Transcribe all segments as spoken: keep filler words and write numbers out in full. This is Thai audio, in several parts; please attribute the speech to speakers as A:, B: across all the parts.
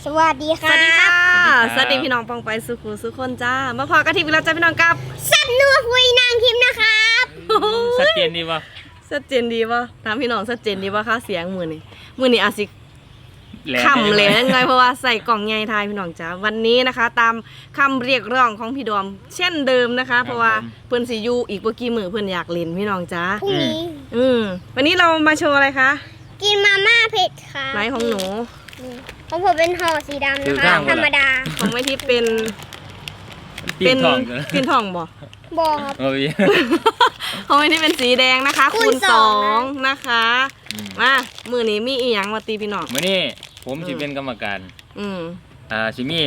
A: สวัสดีค่ะ
B: สวัสดีค่ะสวัสดีพี่น้องปองไปสุขุสุขคนจ้ามาพอกันทีวีแล้วจ้าพี่น้องกับ
A: สัตว์นัวคุยนางทิมนะครับ
C: ชัดเจนดีป่ะ
B: ชัดเจนดีป่ะถามพี่น้องชัดเจนดีป่ะคะเสียงมือนี่มือนี่อาจสิ
C: แหลม
B: คำเลยไงเพราะว่าใส่กล่องใหญ่ทายพี่น้องจ้าวันนี้นะคะ ตามคำเรียกร้องของพี่ดอม เช่นเดิมนะคะ เพราะว่าเพื่อนสิอยูอีกเมื่อกี้มือเพื่อนอยากเล่นพี่น้องจ้า
A: พรุ่งนี้
B: อืมวันนี้เรามาโชว์อะไรคะ
A: กินมาม่าเผ็ดค่ะ
B: ไหนของหนู
A: ของผมเป็นห่อสีดำนะคะธรรมดา
B: ของไม่ที่เป็น
C: ตี
B: เป็น
C: นทองกัน
B: เป็นทองบ่
A: บอครับ
C: โอ้ย
B: ของไม่ที่เป็นสีแดงนะคะ
A: คู
B: คู
A: ณ
B: ณ
A: ส
B: ส
A: อ
B: อง งนะคะมามือนี้มีอีหยังมาตีพี่น้อง
C: มื่อนี้ผมสิเป็นกรรมการ
B: อืม
C: อ่าสิมี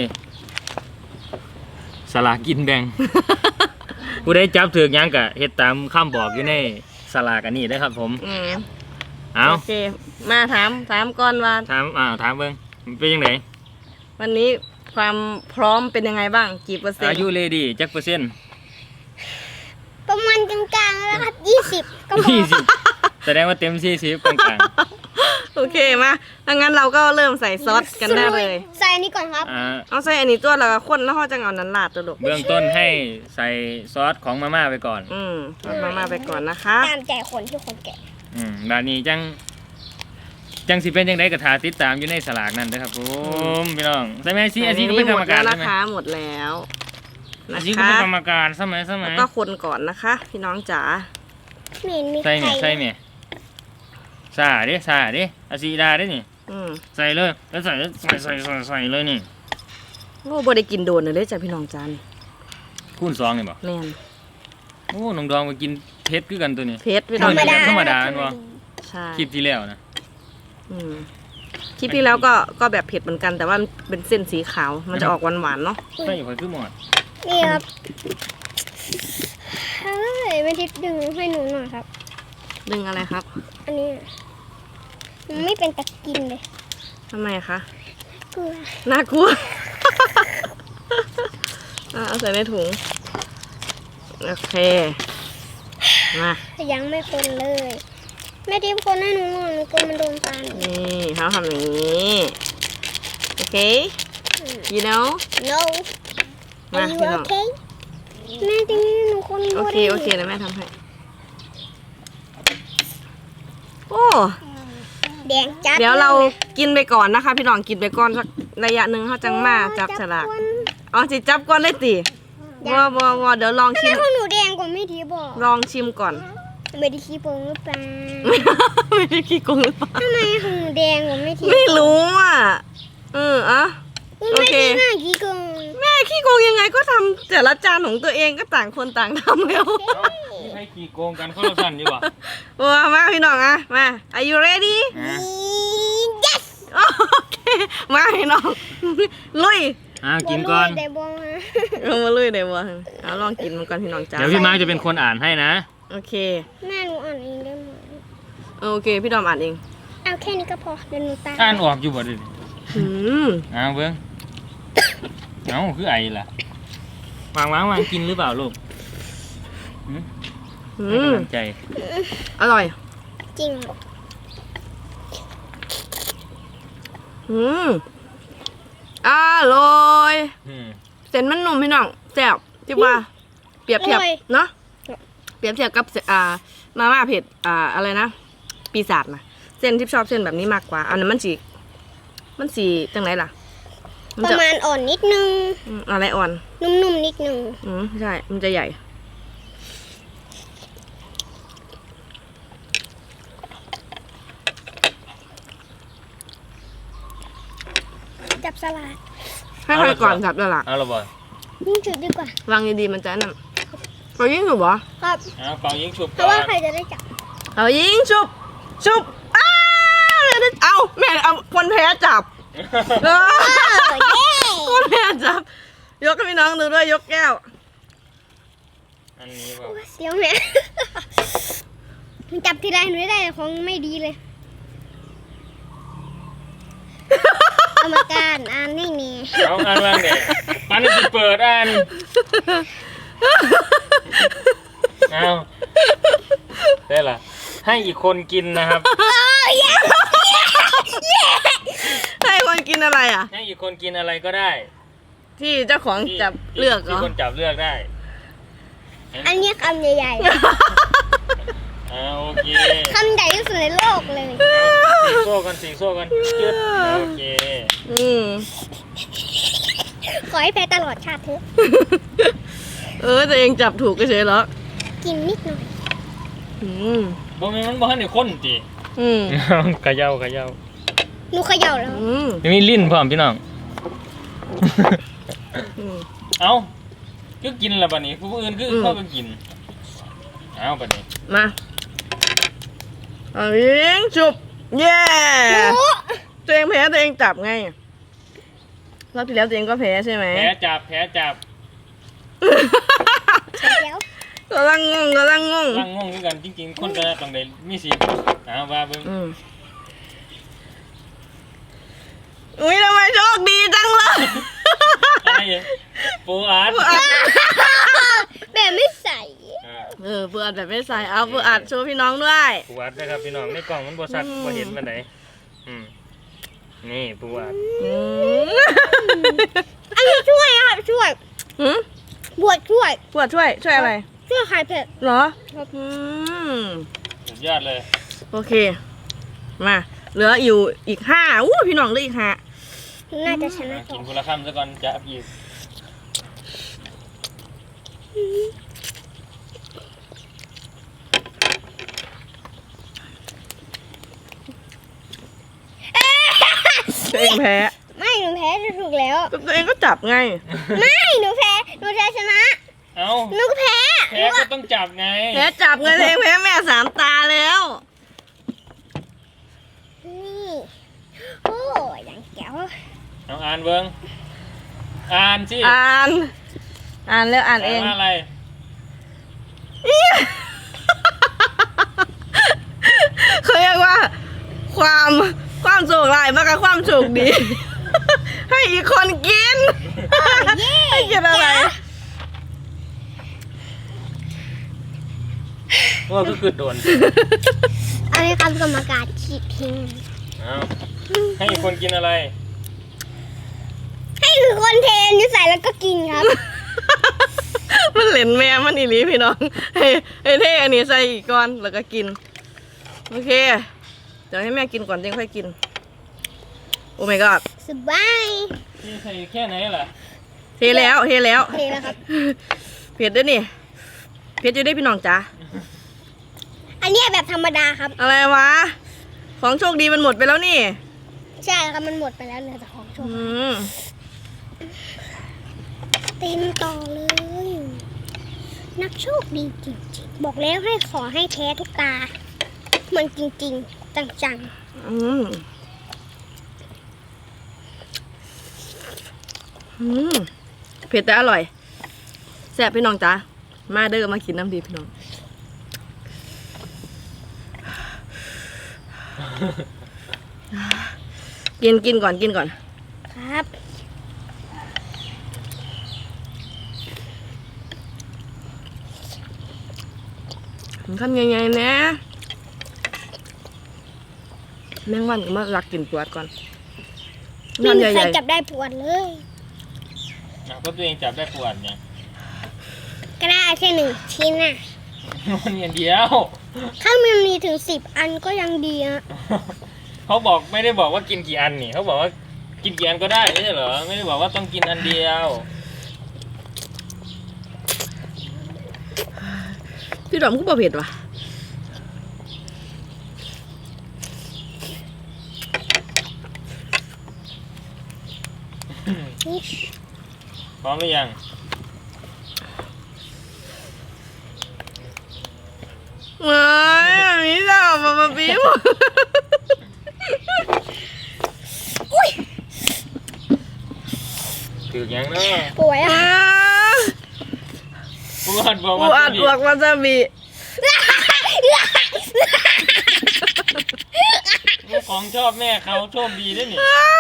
C: สลากกินแบ่ง ผู้ใดจับถือกหยังกะเฮ็ดตามคำบอกอยู่ในสลากอันนี้นะครับผม
B: อืม
C: เอา
B: โอเค มาถามถามก่อนว่า
C: ถามอ่าถามเบิ่งมันเป็นยังไง
B: วันนี้ความพร้อมเป็นยังไงบ้างกี่เปอร์เซ็น
C: อา
B: ต์
C: ยุเลดี้จักเปอร์เซ็นต์
A: ประมาณกลางๆแล้วครับยี่สิบก็พอ
C: ยี่สิบแสดงว่าเต็มสี่สิบกลาง
B: โอเคมาดังนั้นเราก็เริ่มใส่ซอสกันได้เลย
A: ใส่อันนี้ก่อนครับ
C: ๆอ่า
B: เอาใส่อันนี้ตัวแล้วก็ข้นแล้วเราจะเอานั้นลาดตัวลูก
C: เบื้องต้นให้ใส่ซอสของมาม่าไปก่อน
B: อืมเอามามาไปก่อนนะคะ
A: ตามใจคนที่คนแก่
C: อืมบาดนี้จังจังสิเป็นจังไดก็ท่าติดตามอยู่ในสลากนั่นนะครับผมพี่น้องใช่ไหมซีอาซีก็เป็นกรรมการ
B: หมดแล้ว
C: ใช่
B: นะ
C: ไหม
B: คะหมดแล้ว
C: อา
B: นะ
C: ซีก็
B: คะ
C: เป็นกรรมการใช่ไหมใช่ไหม
B: แล้วก็คนก่อนนะคะ พี่น้องจ๋า
A: ไม่เห็นมี
C: ใส่
A: ใคร
C: เนี่ยใส่เนี่ยซาดิซาดิอาซีดาดินี่
B: อืม
C: ใส่เลยแล้วใส่ใส่ใส่ใส่ใส่เลยนี่
B: โอ้บ่ได้กินโดนเลยจ้ะพี่น้องจ๋านี่
C: คูณสองนี่บ่
B: แม่น
C: โอ้น้องดองมากินเผ็ดคือกันตัวนี้
B: เพชรพี่น้อง
C: ธรรมดาธรรมดา
B: ใช่
C: คลิปที่แล้วนะ
B: อืมคลิปที่แล้วก็ก็แบบเผ็ดเหมือนกันแต่ว่ามันเป็นเส้นสีขาวมันจะออกหวานๆเนาะ
C: ใส่ข่อยคือหมด
A: นี่ครับเฮ้ยไม่ทิดดึงให้หนูหน่อยครับ
B: ดึงอะไรครับ
A: อันนี้มันไม่เป็นตะกินเลย
B: ทำไมคะ
A: เกลือ
B: น่ากลัว อ่ะเอาใส่ในถุงโอเคมา
A: ยังไม่คนเลยแม่ทิพย์คนให้หนูหน่อยหนูกลัวมันโดนตาหนู
B: นี่เขาทำอย่างนี้โอเค you know
A: no
B: มา
A: Are you
B: พี่น้อง
A: okay แม่ทิพย์หนูคน
B: โอเคโอเคนะแม่ทำให้โอ้
A: แดงจัด
B: เดี๋ยวเรากินไปก่อนนะคะ พี่น้องกินไปก่อนสักระยะหนึ่งเขาจังมาจับฉลากอ๋อจิจับก่อนเลยติวอวอวอเดี๋ยวลอง
A: ทำ
B: ชิ
A: ไม
B: ม
A: ของหนูแดงกว่าแม่ทิพย์บอก
B: ลองชิมก่อน
A: ไม่ได้ขี้โกงหรือเปล่า
B: ไม่ได้ขี้โกงหรือเปล่า
A: ทำไมของหนูแดงกว่าแม่ทิพย์
B: ไม่รู้อ่ะเอออะ
A: อุ๊ย
B: โอ
A: แม่
B: เค
A: ทิพย์น่าขี้โกง
B: แม่ขี้โกงยังไงก็ทำแต่ละจานของตัวเองก็ต่างคนต่างทำแล้ว
C: นี่ให้กี่โกงกันคนละสั้นดีกว่า
B: ว้ามาพี่น้องอะมา are you ready
C: อ่ะ
A: yes
B: โอเคมาพี่น้อง ลุย
C: อ่ากินก่อน
A: บ่รู้แต่บ่มา
B: ลงมาลุยเดี๋ยววะเอาลองกินมันก่อนพี่น้องจ้า
C: เดี๋ยวพี่มาร์คจะเป็นคนอ่านให้นะ
B: โอเค
A: แม่หนูอ่านเองได้ไหม
B: โอเคพี่ดอมอ่านเอง
A: เอาแค่นี้ก็พอเดี๋ยวหนูตาม
C: อ่านออกอยู่บ่ดิ
B: อืม
C: อ้าวเบิ้งเอ้าคือไอ้ล่ะวางวางวางกินหรือเปล่าลูกหืม
B: อื
C: ให้
B: ม
C: กำลังใจ
B: อร่อย
A: จริง
B: อืมอร่อย
C: อืม
B: เส้นมันนุ่มพี่น้องแซ่บที่ว่า เปรียบเทียบเนาะเปรียบเทียบกับอ่ามาม่าเผ็ดอ่าอะไรนะปีศาจนะเส้นที่ชอบเส้นแบบนี้มากกว่าอันนั้นมันสีมันสีจังไรล่ะมัน
A: ประ
B: จะ
A: มาณอ่อนนิดนึง
B: อืมอะไรอ่อน
A: นุ่มๆนิดนึง
B: อืมใช่ มันจะใหญ่
A: จับสลัด
B: ให้ใครก่อนจับแล้วล่ะ
C: เอาละบ่
A: ยิ่งจุดดีกว่า
B: วางดีๆมันจะนั่นเรายิงฉุบเหรอ
A: ครับ
C: เอาเป่ายิงฉุบ
A: เพ
C: ก่อ
A: ราะว่าน ใครจะได้จับ
B: เรายิงฉุบฉุบอ้าวแม่ได้เอาแม่เอาคนแพ้จับเออ
A: เออเย้
B: คนแพ้จับ ยกให้พี่น้องดูด้วยยกแก้ว
C: อันนี้บ่
A: เสียวแม่ จับทีไรหนูได้ของไม่ดีเลยกรรมการอ่านให้นี่
C: เอาอ่านว่างเด็กปันสิเปิดอ่านเอาได้ละให้อีกคนกินนะครับ
B: ให้คนกินอะไรอ่ะ
C: ให้อีกคนกินอะไรก็ได้
B: ที่เจ้าของจับเลือกเหร
C: ที่
B: อ
C: คนจับเลือกได้
A: อันนี้คำใหญ่
C: อ่าโอเค
A: ๆ คำใหญ่ที่สุดในโลกเลย
C: สีโซ่กันสีโซ่กันจืดโอเค
B: อืม
A: ขอให้แพ้ตลอดชาติเถอะ
B: เออตัวเองจับถูกก็เฉยแล้ว
A: กินนิดหน่อย
B: อืม
C: บ่แม่นมันบ่ทันได้คนติ
B: อืม
C: เขย่าเขย่า
A: หนูเขย่าแล้ว
B: อืม
C: มีลิ้นพร้อมพี่น้อง
B: อืม
C: เอ้าคือกินแล้วบัดนี้ผู้อื่นคือ
B: อืม
C: เข้าไปกินเอ้าบัดนี้
B: มาเอายิงจุบเย้
A: หนู
B: ตัวเองแพ้ตัวเองจับไงรอบที่แล้วตัวเองก็แพ้ใช่ไหม
C: แผลจับแผลจับ
A: ใช่แล้ว
B: กำลังงงกำลังงง
C: ตั้งงงคือกันจริงๆคนก็ต้องได้มีสิทธิ์เอ้าว่าเบิ่ง
B: อืมอุ้ยทำไมโชคดีจังเลย
C: อะไรอ่ะปูอาร์ต
A: แบบไม่ใส่
C: อ่า
B: เออเพื่ออัดแบบไม่ใส่เอาเพื่ออัดโชว์พี่น้องด้วย
C: ปูอาร์ตนะครับพี่น้องในกล่องมันบ่ชัด
B: อืม
C: บ่เห็นปานใดอืมนี่ปูอาร์ต
B: อืม
A: อันนี้ช่วยครับช่วย
B: หืม
A: บวชช่วย
B: ปวดช่วยช่วยอะไร
A: ช่วยคลายเผ็ด
B: เหรออืม
C: สุดยอดเลย
B: โอเค มา เหลืออยู่อีกห้าอู้พี่น้องเหลืออีกห้า
A: น่าจะชนะ
C: อ่ะ
A: ต่
C: กิ
A: อน
C: คนละคำซะก่อนจะอับอีก
B: ตัวเองแพ้
A: ไม่หนูแพ้จะถูกแล้ว
B: ก็ตัวเองก็จับไง
A: ไม่หนูแพ้หนูจะชนะ
C: เอ้า
A: หนูก็แพ้
C: แพ้ก็ต้องจับไง
B: แพ้จับไงตัวเองแพ้แม่สามตาแล้ว
A: นี่โอ้ยยังแก้ว
C: เอาอ่านเบิ้งอ่านสิ
B: อ่าน อ่านแล้วอ่านเอง
C: ว่าอะไร
B: เขาเรียกว่า ความความโชคร้ายมากกับความโชคดี ให้อีกคนกิน
A: เย้
B: ให้กินอะไร
C: ว่าก็คือโดน
A: อันนี้คำกรรมการฉีดทิ้ง
C: เอาให้อีกคนกินอะไร
A: ให้คือคนเทนนี่ใส่แล้วก็กินครับ
B: มันเหลนแม่มันอีหลีพี่น้องให้ให้เท่อันนี้ใส่อีกก้อนแล้วก็กิน โอเค เดี๋ยวให้แม่กินก่อนเดี๋ยวค่อยกิน โอ้ my god
A: สบาย
C: นี่ใส่แค่ไหนล่ะ
B: เทแล้วเทแล้ว
A: เทแล้วครับ
B: เผ็ดด้วยนี่เผ็ดอยู่ด้วยพี่น้องจ๋า
A: อันนี้แบบธรรมดาครับ
B: อะไรวะ ของโชคดีมันหมดไปแล้วนี่
A: ใช่ครับมันหมดไปแล้วเหลือแต่ของโช
B: อื
A: ว์
B: ม
A: เต็มต่อเลย นักโชคดีจริงๆ บอกแล้วให้ขอให้แพ้ทุกตา มันจริงๆ จัง
B: อืมอืมเผ็ดแต่อร่อยแซ่บพี่น้องจ๋ามาเด้อมากินน้ำดีพี่น้อง กินกินก่อนกินก่อน
A: ๆ ครับ
B: ทำยังไงนะแมงวันก็มารักกินปวดก่อน
A: ไม่
B: งาน
A: มี
B: ให
A: ใคร
B: ญ่
A: จับได้ปวดเลย
C: อ่ะก็ตัวเองจับได้ปวดไง
A: ก็ได้แค่หนึ่งชิ้นน่ะ
C: มันอย่างเดียว
A: ถ้ามันมีถึงสิบอันก็ยังดีนะ
C: เขาบอกไม่ได้บอกว่ากินกี่อันนี่เขาบอกว่ากินกี่อันก็ได้ไม่ใช่เหรอไม่ได้บอกว่าต้องกินอันเดียว
B: ๆพี่ดอมก็บ่เผ็ดว่ะ
A: นี่
C: พร้อมหรือยัง
B: เฮ้ยอันนี้จะออกมามาปี๊บ
C: ถือยังเนาะ
A: ป่วยอ่ะ
C: ปวดบอก
B: ปู
C: ว่า
B: อัดบวกวาซาบิ
C: ของชอบแม่เขาโชคดีด้วยนี่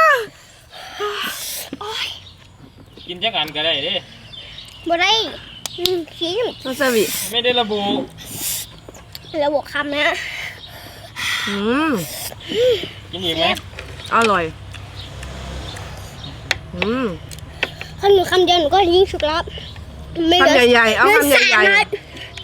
C: กินจักอันก็ได้เด้
A: บ่ได้อืมชิ้น
B: วาซาบิ
C: ไม่ได้ระบุ
A: แล้วบวกคำนะ
B: อืม
C: กินอีกไหม
B: อร่อยอืม
A: ถ้าหนูคำเดียวหนูก็ยิงฉุกแล้วไม่เหลือ
B: คำใหญ่ๆเอา
A: หลื
B: คำใหญ่ๆ
A: สามนัด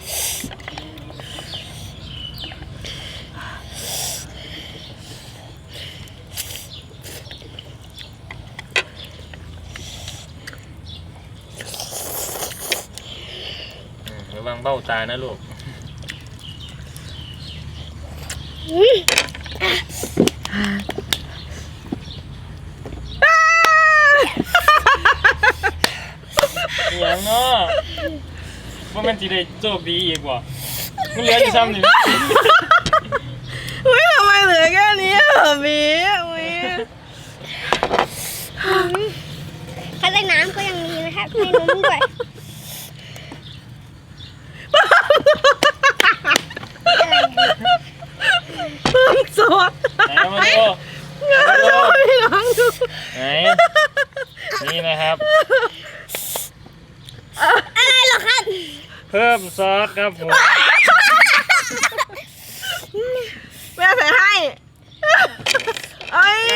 C: ระวังเบ้าตานะลูก
A: อืม
C: เสียงเนาะว่ามันจีได้โชคดีอีกว่ะมันเหลืออยู่ซ้ำหนึ่ง
B: อุ้ยทำไมเหลือแค่นี้เหรอมีอุ้ย
A: ถ้าได้น้ำก็ยังมีนะครับให้นมด้วยอะไรเนี่ย
B: เพิ่มซอส
C: ไหนเอามาดู
B: เงาโชว์พี่น้องดู
C: ไหนนี่นะครับ
A: อะไรเหรอครับ
C: เพิ่มซอสครับผม
B: แม่ใส่ให้เอ้ย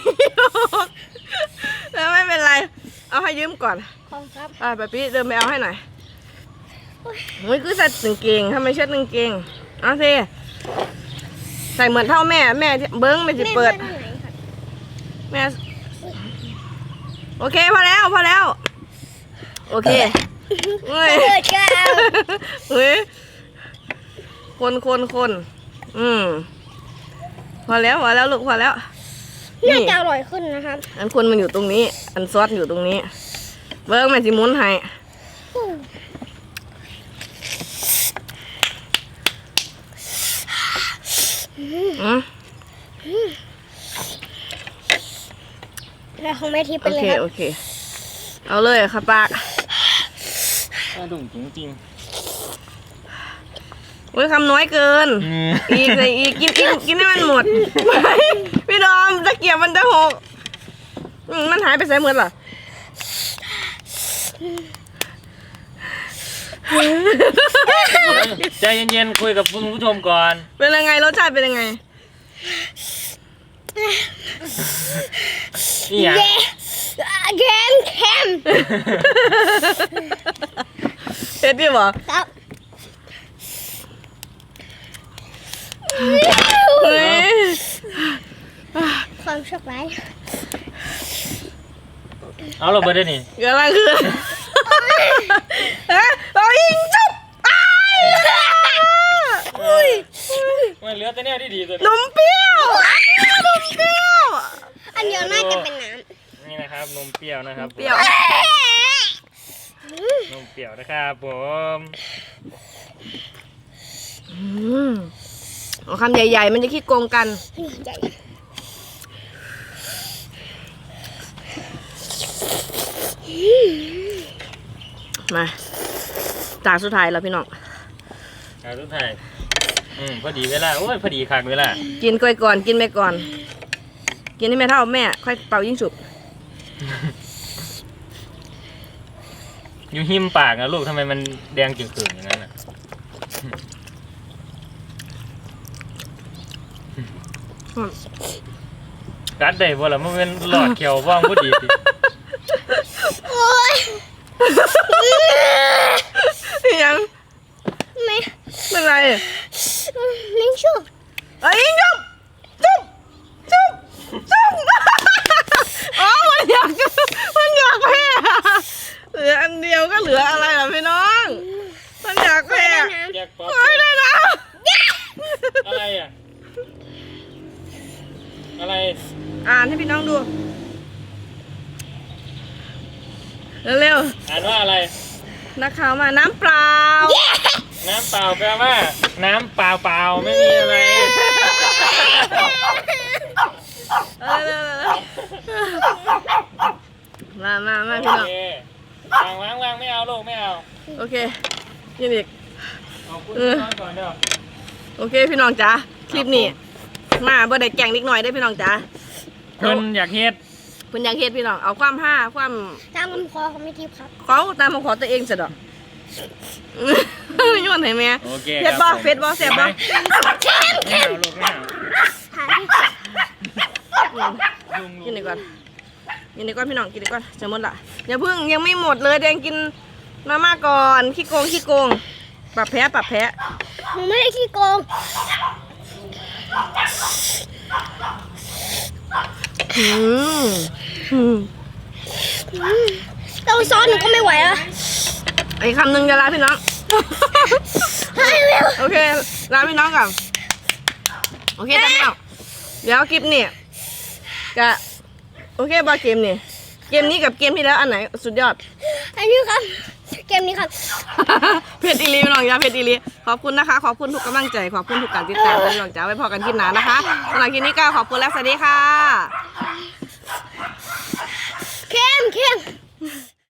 B: แล้วไม่เป็นไรเอาให้ยืมก่อน
A: ของครับ
B: อ่าแบบนี้เดินไปเอาให้หน่อยโอ้ยคือใส่กางเกงทำไมเช็ดกางเกงเอาสิใส่เหมือนเท่าแม่แม่ที่เบิ้งไม่จะเปิด
A: แม่ไปไหนครับ
B: แม่โอเคพอแล้วพอแล้วโอเคเฮ้ย
A: เปิดก็เอา
B: เฮ้ยคนคนคนอืมพอแล้วพอแล้วลูกพอแล้ว
A: น่าจะอร่อยขึ้นนะครับ
B: อันคนมันอยู่ตรงนี้ อันซอสอยู่ตรงนี้เบิ้งแม่สิหมุนให้อืม
A: แล้วของแม่ทิพย์ไป
B: โอ
A: เลย
B: เค
A: ครับ
B: โอเคเอาเลยค่ะปาก
C: กระดุ่งจริง
B: โอ้ยคำน้อยเกิน
C: ๆอืม
B: อีกเลยอีกกินกินกินให้มันหมดไม่พี่ดอมตะเกียบมันจะหกอืมมันหายไปใส่หมดเหรอ
C: ใจเย็นๆคุยกับคุณผู้ชมก่อน
B: เป็นยังไงรสชาติเป็นยังไง
C: นี่อ่ะ
A: เย้เค็มเค็ม
B: เผ็ดดิบ่
A: ครับ
B: เฮ้ย
A: ความโชคร้าย
C: เอาเราไปได้นี่
B: กำลังคือฮะเอายิงจุ๊บอ้ายอุ้ย
C: มันเหลือแต่แนวที่ดีตัว
B: น
C: นี้
B: มเปรี้ยวนมเปรี้ยว
A: อันเดียวน่าจะเป็นน้
C: นี่นะครับนมเปรี้ยวนะครับ
B: เปรี้ยว
A: ำ
C: นมเปรี้ยวนะครับผม
B: อืมเอาคำใหญ่ๆมันจะคิดโกงกัน
A: ใหญ่
B: มาจานสุดท้ายแล้วพี่น้อง
C: เอาทุกท่านอืมพอดีเวลาโอ้ยพอดีคักเวลา
B: กินก่อยก่อนกินไปก่อน กินให้แม่เท่าแม่ ค่อยเป่ายิ่งฉุบ
C: อยู่หิมปากนะลูกทำไมมันแดงจึงๆอย่างนั้นน่ะกัดได้บ่ล่ะมันเป็นหลอดเขียวว่างพอดีสิ
A: โอ้ย
B: ยัง
A: ไม่
B: เป็นไร
A: ลิงชุบ
B: เอ้ยจุ๊บจุ๊บจุ๊บจุ๊บอ๋อมันอยากมันอยากแพ้เหลืออันเดียวก็เหลืออะไรล่ะพี่น้องมันอยากแพ้
A: น้ำ
C: แยกป๊อป
B: เฮ้ยได้แล้ว
C: อะไรอ่ะอะไร
B: อ่านให้พี่น้องดูเร็ว
C: อ่านว่าอะไร
B: ๆนักข่าวมาน้ำเปล่า
C: น้ำเปล่าแปลว่า น้ำเปล่าเปล่าๆไม่มีอะไร
B: เอาเร็วๆมามามาพี่
C: โอ
B: น้อง
C: เควางวางวางไม่เอาลูกไม่เอา
B: โอเคกินอีก
C: เอาคุณนอนก่อนเด้อ
B: โอเคพี่น้องจ๋าคลิปนี้มาบ่ได้แกล้งนิดหน่อยได้อพี่น้องจ๋า
C: เพิ่นอยากเฮ็ด
B: เพิ่นอยากเฮ็ดพี่น้องเอาความห้าความ
A: ตามคำขอของแม่ทิพย์ครับ
B: เขาตามมาขอตัวเองซะดอก ย้อนให้แม่
C: โอเค
B: เผ็ดบ่เผ็ดบ่แซ่บบ่
C: ไม่เอาลูกไม่เอา
A: หาที่
C: ลุง
B: กินดีกว่ากินดีกว่าพี่น้องกินดีกว่าจะหมดละอย่าเพิ่งยังไม่หมดเลยแดงกินมาม่าก่อนขี้โกงขี้โกงปรับแพ้ปรับแพ้
A: หนูไม่ได้ขี้โกง
B: อืมอืม
A: เต้าซอสหนูก็ไม่ไหวแล้ว
B: อีกคำหนึ่งจะลาพี่น้อง
A: ให้เร็ว
B: โอเคลาพี่น้องก่อนโอเคจ้าพี่น้องเดี๋ยวคลิปนี่จะโอเคบอเกมนี่เกมนี้กับเกมที่แล้วอันไหนสุดยอด
A: อันนี้ครับ เกมนี้ครับ
B: เพจอีลีพี่น้องจ้าเพจอีลีขอบคุณนะคะขอบคุณทุกกำลังใจขอบคุณทุกการติดตามพี่น้องจ้าไว้พอกันคลิปหน้านะคะสำหรับคลิปนี้ก็ขอบคุณและสวัสดีค่ะ
A: เข้มเข้ม